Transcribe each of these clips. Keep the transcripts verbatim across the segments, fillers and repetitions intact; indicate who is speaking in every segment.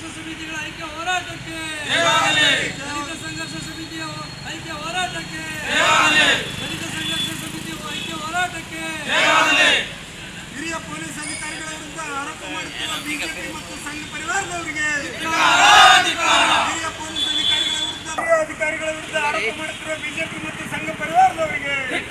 Speaker 1: ಸಮಿತಿಗಳ ಐಕ್ಯ ಹೋರಾಟಕ್ಕೆ ದಲಿತ ಸಂಘರ್ಷ ಸಮಿತಿಯ ಐಕ್ಯ ಹೋರಾಟಕ್ಕೆ ದಲಿತ ಸಂಘರ್ಷ ಸಮಿತಿಯ ಐಕ್ಯ ಹೋರಾಟಕ್ಕೆ
Speaker 2: ಹಿರಿಯ ಪೊಲೀಸ್ ಅಧಿಕಾರಿಗಳ ವಿರುದ್ಧ ಆರೋಪ ಮಾಡುತ್ತಿರುವ ಬಿಜೆಪಿ ಮತ್ತು ಸಂಘ ಪರಿವಾರದವರಿಗೆ ಹಿರಿಯ ಪೊಲೀಸ್ ಅಧಿಕಾರಿಗಳ ವಿರುದ್ಧ ಹಿರಿಯ ಅಧಿಕಾರಿಗಳ ವಿರುದ್ಧ ಆರೋಪ ಮಾಡುತ್ತಿರುವ ಬಿಜೆಪಿ ಮತ್ತು ಸಂಘ ಪರಿವಾರದವರಿಗೆ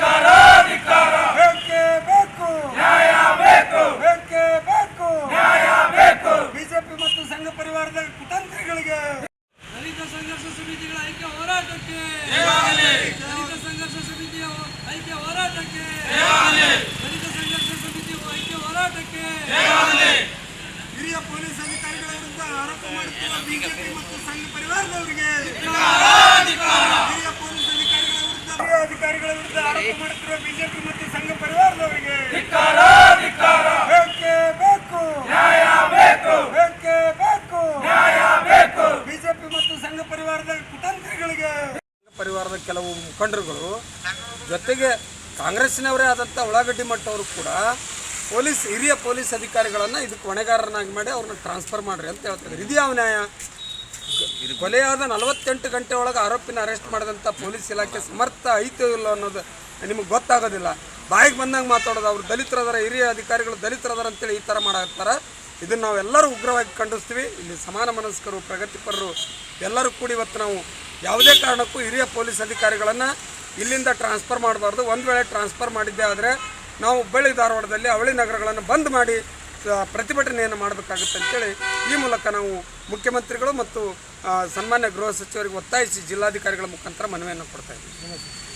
Speaker 2: ಬೇಕೇ ಬೇಕು ನ್ಯಾಯ ಬೇಕು ಬೇಕೇ ಬೇಕು ನ್ಯಾಯ ಬೇಕು ಬಿಜೆಪಿ ಮತ್ತು ಸಂಘ ಪರಿವಾರದ ಕುತಂತ್ರಿಗಳಿಗೆ
Speaker 1: ದಲಿತ ಸಂಘರ್ಷ ಸಮಿತಿಗಳ ಐಕ್ಯ ಹೋರಾಟಕ್ಕೆ ದಲಿತ ಸಂಘರ್ಷ ಸಮಿತಿಯ ಐಕ್ಯ ಹೋರಾಟಕ್ಕೆ ದಲಿತ ಸಂಘರ್ಷ ಸಮಿತಿಯ ಐಕ್ಯ ಹೋರಾಟಕ್ಕೆ
Speaker 2: ಹಿರಿಯ ಪೊಲೀಸ್ ಅಧಿಕಾರಿಗಳ ವಿರುದ್ಧ ಆರೋಪ ಮಾಡುತ್ತಿರುವ ಬಿಜೆಪಿ ಮತ್ತು ಸಂಘ ಪರಿವಾರದವರಿಗೆ ಹಿರಿಯ ಪೊಲೀಸ್ ಅಧಿಕಾರಿಗಳ ವಿರುದ್ಧ ಹಿರಿಯ ಅಧಿಕಾರಿಗಳ ವಿರುದ್ಧ ಆರೋಪ ಮಾಡುತ್ತಿರುವ ಬಿಜೆಪಿ ಮತ್ತು ಸಂಘ ಪರಿವಾರದವರಿಗೆ ಬೇಕೇ ಬೇಕು ನ್ಯಾಯ ಬೇಕು ಬೇಕೇ ಬೇಕು ನ್ಯಾಯ ಬೇಕು ಬಿಜೆಪಿ ಮತ್ತು ಸಂಘ ಪರಿವಾರದ ಕುತಂತ್ರಿಗಳಿಗೆ
Speaker 3: ಪರಿವಾರದ ಕೆಲವು ಮುಖಂಡರುಗಳು ಜೊತೆಗೆ ಕಾಂಗ್ರೆಸ್ಸಿನವರೇ ಆದಂಥ ಉಳ್ಳಾಗಡ್ಡಿ ಮಟ್ಟವರು ಕೂಡ ಪೊಲೀಸ್ ಹಿರಿಯ ಪೊಲೀಸ್ ಅಧಿಕಾರಿಗಳನ್ನು ಇದಕ್ಕೆ ಹೊಣೆಗಾರರನ್ನಾಗಿ ಮಾಡಿ ಅವ್ರನ್ನ ಟ್ರಾನ್ಸ್ಫರ್ ಮಾಡಿರಿ ಅಂತ ಹೇಳ್ತಿದ್ದಾರೆ. ಇದು ಯಾವ ನ್ಯಾಯ? ಕೊಲೆಯಾದ ನಲವತ್ತೆಂಟು ಗಂಟೆ ಒಳಗೆ ಆರೋಪಿನ ಅರೆಸ್ಟ್ ಮಾಡಿದಂಥ ಪೊಲೀಸ್ ಇಲಾಖೆ ಸಮರ್ಥ ಐತೋ ಇಲ್ಲ ಅನ್ನೋದು ನಿಮಗೆ ಗೊತ್ತಾಗೋದಿಲ್ಲ. ಬಾಯಿಗೆ ಬಂದಂಗೆ ಮಾತಾಡೋದು. ಅವರು ದಲಿತರದಾರ, ಹಿರಿಯ ಅಧಿಕಾರಿಗಳು ದಲಿತರದಾರ ಅಂತೇಳಿ ಈ ಥರ ಮಾಡಾಕ್ತಾರೆ. ಇದನ್ನು ನಾವು ಎಲ್ಲರೂ ಉಗ್ರವಾಗಿ ಖಂಡಿಸ್ತೀವಿ. ಇಲ್ಲಿ ಸಮಾನ ಮನಸ್ಕರು, ಪ್ರಗತಿಪರರು ಎಲ್ಲರೂ ಕೂಡಿ ಇವತ್ತು ನಾವು ಯಾವುದೇ ಕಾರಣಕ್ಕೂ ಹಿರಿಯ ಪೊಲೀಸ್ ಅಧಿಕಾರಿಗಳನ್ನು ಇಲ್ಲಿಂದ ಟ್ರಾನ್ಸ್ಫರ್ ಮಾಡಬಾರ್ದು. ಒಂದು ವೇಳೆ ಟ್ರಾನ್ಸ್ಫರ್ ಮಾಡಿದ್ದೇ ಆದರೆ ನಾವು ಹುಬ್ಬಳ್ಳಿ ಧಾರವಾಡದಲ್ಲಿ ಅವಳಿ ನಗರಗಳನ್ನು ಬಂದ್ ಮಾಡಿ ಪ್ರತಿಭಟನೆಯನ್ನು ಮಾಡಬೇಕಾಗುತ್ತೆ ಅಂತೇಳಿ ಈ ಮೂಲಕ ನಾವು ಮುಖ್ಯಮಂತ್ರಿಗಳು ಮತ್ತು ಸನ್ಮಾನ್ಯ ಗೃಹ ಸಚಿವರಿಗೆ ಒತ್ತಾಯಿಸಿ ಜಿಲ್ಲಾಧಿಕಾರಿಗಳ ಮುಖಾಂತರ ಮನವಿಯನ್ನು ಕೊಡ್ತಾ ಇದ್ದೀವಿ.